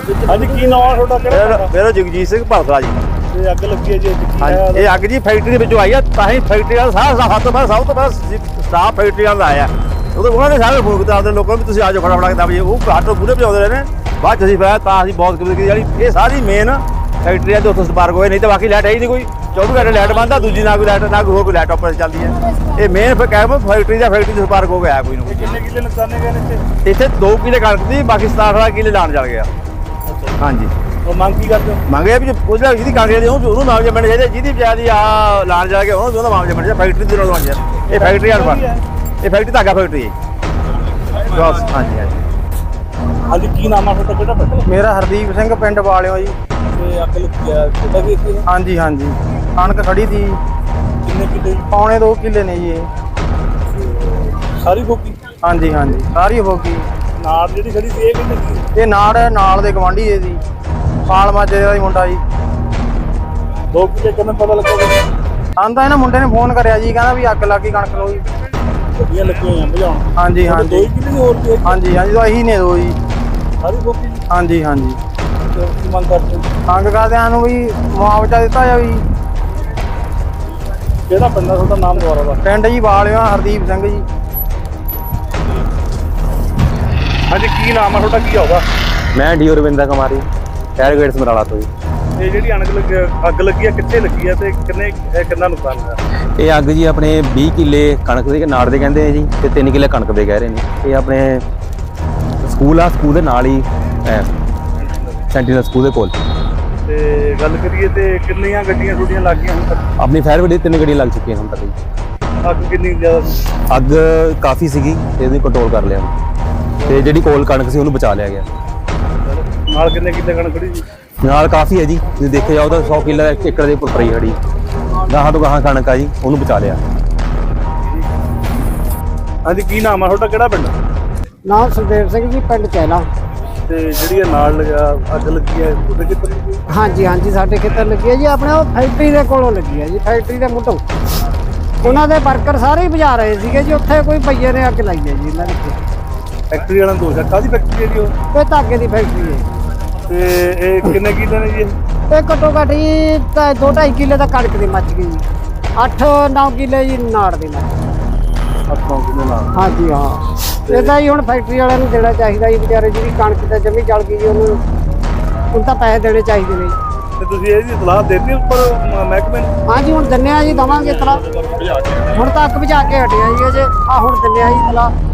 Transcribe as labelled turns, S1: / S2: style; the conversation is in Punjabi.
S1: ਹਾਂਜੀ ਕੀ ਨਾਮ ਆ ਤੁਹਾਡਾ? ਕਿਹੜਾ
S2: ਮੇਰਾ ਜਗਜੀਤ ਸਿੰਘ ਭਰਤਲਾ ਜੀ।
S1: ਇਹ ਅੱਗ ਲੱਗੀ ਹੈ ਜੀ?
S2: ਹਾਂਜੀ, ਇਹ ਅੱਗ ਜੀ ਫੈਕਟਰੀ ਦੇ ਵਿੱਚੋਂ ਆਈ ਆ। ਤਾਂ ਹੀ ਫੈਕਟਰੀ ਵਾਲਾ ਸਭ ਤੋਂ ਪਹਿਲਾਂ ਸਟਾਫ ਫੈਕਟਰੀ ਵਾਲਾ ਆਇਆ। ਉਹਨਾਂ ਨੇ ਸਾਰੇ ਫੋਨ ਕੀਤਾ ਆਪਣੇ ਲੋਕਾਂ ਨੂੰ, ਤੁਸੀਂ ਆ ਜਾਓ ਫਟਾਫਟ ਕੇ 10 ਵਜੇ। ਉਹ ਘੱਟ ਤੋਂ ਪੂਰੇ ਭਜਾਉਂਦੇ ਰਹੇ ਨੇ। ਬਾਅਦ 'ਚ ਅਸੀਂ ਫਿਰ ਤਾਂ ਅਸੀਂ ਬਹੁਤ ਕਿਸਮਤ ਕੀਤੀ ਜਿਹੜੀ ਇਹ ਸਾਰੀ ਮੇਨ ਫੈਕਟਰੀ ਆ ਤੇ ਉੱਥੋਂ ਸਪਾਰਕ ਹੋਏ, ਨਹੀਂ ਤਾਂ ਬਾਕੀ ਲਾਈਟ ਹੈ ਹੀ ਨਹੀਂ ਕੋਈ। 24 ਘੰਟੇ ਲਾਈਟ ਬੰਦ ਆ, ਦੂਜੀ ਨਾ ਕੋਈ ਲਾਈਟ ਨਾ ਕੋਈ ਹੋਰ ਕੋਈ ਲੈਪਟਾਪ ਪਰ ਚੱਲਦੀ ਹੈ। ਇਹ ਮੇਨ ਫਿਰ ਕਹਿ ਫੈਕਟਰੀ ਤੋਂ ਸਪਾਰਕ ਹੋ ਗਿਆ ਕੋਈ ਨਾ ਕੋਈ।
S1: ਕਿੰਨੇ ਕਿੱਲੇ ਨੁਕਸਾਨੇ ਗਏ ਨੇ
S2: ਇੱਥੇ 2 ਕਿੱਲੇ ਕਣਕ ਦੀ, ਬਾਕੀ 17 ਕਿੱਲੇ ਲਾਣ ਚੱਲ ਗਿਆ। ਹਾਂਜੀ,
S1: ਉਹ ਮੰਗ ਕੀ ਕਰਦੇ ਹੋ?
S2: ਮੰਗਿਆ ਵੀ ਉਹਦਾ ਜਿਹਦੀ ਕਾਂਗਰਸ ਦੀ ਉਹਨੂੰ ਮਾਮਲੇ ਮਿਲਣੇ ਚਾਹੀਦੇ, ਜਿਹਦੀ ਵਿਚਾਰੀ ਆ ਲਾਣ ਜਾ ਕੇ ਉਹਦਾ ਮਾਮਲੇ ਮਿਲਣੇ ਚਾਹੀਦੇ। ਫੈਕਟਰੀ ਦੀ ਰੋਲ ਬਣ ਇਹ ਫੈਕਟਰੀ ਵਾਲਾ ਇਹ ਫੈਕਟਰੀ ਧਾਗਾ ਫੈਕਟਰੀ ਬਸ। ਹਾਂਜੀ ਹਾਂਜੀ।
S1: ਹਾਂਜੀ ਕੀ ਨਾਮ ਆ ਤੁਹਾਡਾ? ਕਿਹੜਾ ਪਿੰਡ?
S3: ਮੇਰਾ ਹਰਦੀਪ ਸਿੰਘ, ਪਿੰਡ ਵਾਲਿਓ ਜੀ।
S1: ਤੇ ਅੱਗ ਲੱਗੀ ਆ ਛੋਟਾ ਵੀ ਇੱਥੇ?
S3: ਹਾਂਜੀ ਹਾਂਜੀ, ਕਣਕ ਖੜੀ ਸੀ।
S1: ਕਿੰਨੇ ਕਿੱਲੇ?
S3: ਪੌਣੇ 2 ਕਿੱਲੇ ਨੇ ਜੀ ਇਹ।
S1: ਸਾਰੀ ਫੋਕੀ?
S3: ਹਾਂਜੀ ਹਾਂਜੀ, ਸਾਰੀ ਹੋ ਗਈ।
S1: ਨਾੜ ਜਿਹੜੀ ਖੜੀ ਸੀ ਇਹ ਕਿੰਨੇ ਦੀ?
S3: ਇਹ ਨਾਲ ਦੇ ਗਵਾਂਢੀ ਹੈ ਜੀ, ਪਾਲ ਮਾਜੇ ਦਾ ਹੀ ਮੁੰਡਾ ਜੀ।
S1: 2 ਕਿੱਲੇ ਕਿਵੇਂ ਪਤਾ ਲੱਗਾ?
S3: ਆਂਦਾ ਇਹਨਾਂ ਮੁੰਡੇ ਨੇ ਫੋਨ ਕਰਿਆ ਜੀ, ਕਹਿੰਦਾ ਵੀ ਅੱਗ ਲੱਗ ਗਈ ਕਣਕ ਨੂੰ ਜੀ।
S1: ਗੱਡੀਆਂ ਲੱਗੀਆਂ ਹੋਈਆਂ ਭਜਾਉਣ?
S3: ਹਾਂਜੀ
S1: 2
S3: ਹਾਂਜੀ
S1: ਕਿੱਲੇ ਦੀ ਹੋਰ ਵੀ?
S3: ਹਾਂਜੀ ਹਾਂਜੀ, ਤਾਂ ਇਹੀ ਨੇ 2 ਜੀ।
S1: ਸਾਰੀ ਫੋਕੀ?
S3: ਹਾਂਜੀ ਹਾਂਜੀ।
S1: ਕੀ ਮੰਗ ਕਰਦੇ ਹੋ?
S3: ਤੰਗ ਕਰਦਿਆਂ ਨੂੰ ਵੀ ਮੁਆਵਜ਼ਾ ਦਿੱਤਾ ਜਾਵੇ ਜੀ।
S1: ਕਿਹੜਾ ਪਿੰਡ ਆ ਤੁਹਾਡਾ? ਨਾਮ ਦੁਆਰਾ ਦਾ?
S3: ਪਿੰਡ ਜੀ ਵਾਲਿਓ, ਹਰਦੀਪ ਸਿੰਘ ਜੀ।
S1: ਹਾਂਜੀ ਕੀ ਨਾਮ ਆ ਤੁਹਾਡਾ? ਕੀ ਆਉਗਾ?
S4: ਮੈਂ ਡੀ ਰਵਿੰਦਰ ਕੁਮਾਰੀ, ਟਾਇਰ ਗੇਟ ਸਮਰਾਲਾ ਤੋਂ ਜੀ।
S1: ਇਹ ਜਿਹੜੀ ਅੱਗ ਲੱਗੀ ਆ ਕਿੱਥੇ ਲੱਗੀ ਆ ਤੇ ਕਿੰਨਾ ਨੁਕਸਾਨ ਹੋਇਆ?
S4: ਇਹ ਅੱਗ ਜੀ ਆਪਣੇ 20 ਕਿੱਲੇ ਕਣਕ ਦੇ ਨਾੜ ਦੇ ਕਹਿੰਦੇ ਆ ਜੀ, ਤੇ 3 ਕਿੱਲੇ ਕਣਕ ਦੇ ਕਹਿ ਰਹੇ ਨੇ। ਇਹ ਆਪਣੇ ਸਕੂਲ ਆ, ਸਕੂਲ ਦੇ ਨਾਲ ਹੀ ਸੈਂਟੀਨਲ ਸਕੂਲ ਦੇ ਕੋਲ।
S1: ਤੇ ਗੱਲ ਕਰੀਏ ਤੇ ਕਿੰਨੀਆਂ ਗੱਡੀਆਂ ਤੁਹਾਡੀਆਂ ਲੱਗ ਗਈਆਂ ਹੁਣ ਤੱਕ?
S4: ਆਪਣੀ ਫਾਇਰ ਬ੍ਰਿਗੇਡ 3 ਗੱਡੀਆਂ ਲੱਗ ਚੁੱਕੀਆਂ ਹੁਣ ਤੱਕ ਜੀ।
S1: ਅੱਗ ਕਿੰਨੀ ਜ਼ਿਆਦਾ ਸੀ?
S4: ਅੱਗ ਕਾਫੀ ਸੀਗੀ ਤੇ ਇਹਨੂੰ ਕੰਟਰੋਲ ਕਰ ਲਿਆ ਤੇ ਜਿਹੜੀ ਕੋਲ ਕਣਕ ਸੀ ਉਹਨੂੰ ਬਚਾ ਲਿਆ ਗਿਆ।
S1: ਨਾਲ ਕਿੰਨੇ ਕਿੱਲੇ ਕਣਕ ਖੜੀ ਸੀ?
S4: ਨਾਲ ਕਾਫੀ ਹੈ ਜੀ, ਤੁਸੀਂ ਦੇਖਿਆ ਜਾਓ ਤਾਂ 100 ਕਿੱਲਾ 1 ਏਕੜ ਦੇ ਉੱਪਰ ਪਈ ਖੜੀ। ਗਾਹਾਂ ਤੋਂ ਗਾਹਾਂ ਕਣਕ ਆ ਜੀ, ਉਹਨੂੰ ਬਚਾ ਲਿਆ।
S1: ਹਾਂਜੀ ਕੀ ਨਾਮ ਆ ਤੁਹਾਡਾ? ਕਿਹੜਾ ਪਿੰਡ?
S3: ਨਾਮ ਸੁਖਦੇਵ ਸਿੰਘ ਜੀ, ਪਿੰਡ ਚੈਲਾ।
S1: ਤੇ ਜਿਹੜੀ ਇਹ ਨਾਲ ਅੱਗ ਲੱਗੀ ਹੈ ਉਹਦੇ ਕਿੱਥੇ ਲੱਗੀ?
S3: ਹਾਂਜੀ ਹਾਂਜੀ, ਸਾਡੇ ਖੇਤਰ ਲੱਗੀ ਹੈ ਜੀ। ਆਪਣੇ ਉਹ ਫੈਕਟਰੀ ਦੇ ਕੋਲੋਂ ਲੱਗੀ ਹੈ ਜੀ, ਫੈਕਟਰੀ ਦੇ ਮੁੱਢੋਂ। ਉਹਨਾਂ ਦੇ ਵਰਕਰ ਸਾਰੇ ਹੀ ਬੁਝਾ ਰਹੇ ਸੀਗੇ ਜੀ। ਉੱਥੇ ਕੋਈ ਭਈਏ ਨੇ ਅੱਗ ਲਾਈ ਹੈ ਜੀ ਇਹਨਾਂ ਨੇ।
S1: ਫੈਕਟਰੀ ਵਾਲਾ ਦੋਸ਼ ਹੈ? ਕਾਹਦੀ ਫੈਕਟਰੀ ਹੈ ਜੀ ਉਹ?
S3: ਇਹ ਧਾਗੇ ਦੀ ਫੈਕਟਰੀ ਹੈ।
S1: ਤੇ ਇਹ ਕਿੰਨੇ ਕਿੱਲੇ ਨੇ ਜੀ ਇਹ?
S3: ਇਹ ਘੱਟੋ ਘੱਟ ਜੀ 2-2.5 ਕਿੱਲੇ ਦਾ ਕਣਕ ਦੀ ਮੱਚ ਗਈ ਜੀ। 8-9 ਕਿੱਲੇ ਜੀ ਨਾੜ ਦੇ ਮੱਚ ਗਏ।
S1: 8 ਕਿੱਲੇ ਨਾਲ?
S3: ਹਾਂਜੀ ਹਾਂ। ਇਹਦਾ ਹੀ ਹੁਣ ਫੈਕਟਰੀ ਵਾਲਿਆਂ ਨੂੰ ਦੇਣਾ ਚਾਹੀਦਾ ਜੀ। ਵਿਚਾਰੇ ਜਿਹੜੀ ਕਣਕ ਤਾਂ ਜਮੀ ਜਲ ਗਈ ਜੀ, ਉਹਨੂੰ ਤਾਂ ਪੈਸੇ ਦੇਣੇ ਚਾਹੀਦੇ ਨੇ।
S1: ਤੇ ਤੁਸੀਂ ਇਹਦੀ ਸਲਾਹ ਦੇਤੀ ਉੱਪਰ ਮਹਿਕਮੇ ਨੂੰ?
S3: ਹਾਂਜੀ ਹੁਣ ਦਿੰਨੇ ਆ ਜੀ, ਦਵਾਂਗੇ ਸਲਾਹ। ਹੁਣ ਤਾਂ ਅੱਗ ਬੁਝਾ ਕੇ ਹਟਿਆ ਜੀ ਅਜੇ। ਹੁਣ ਦਿੰਨੇ ਆ ਜੀ ਸਲਾਹ।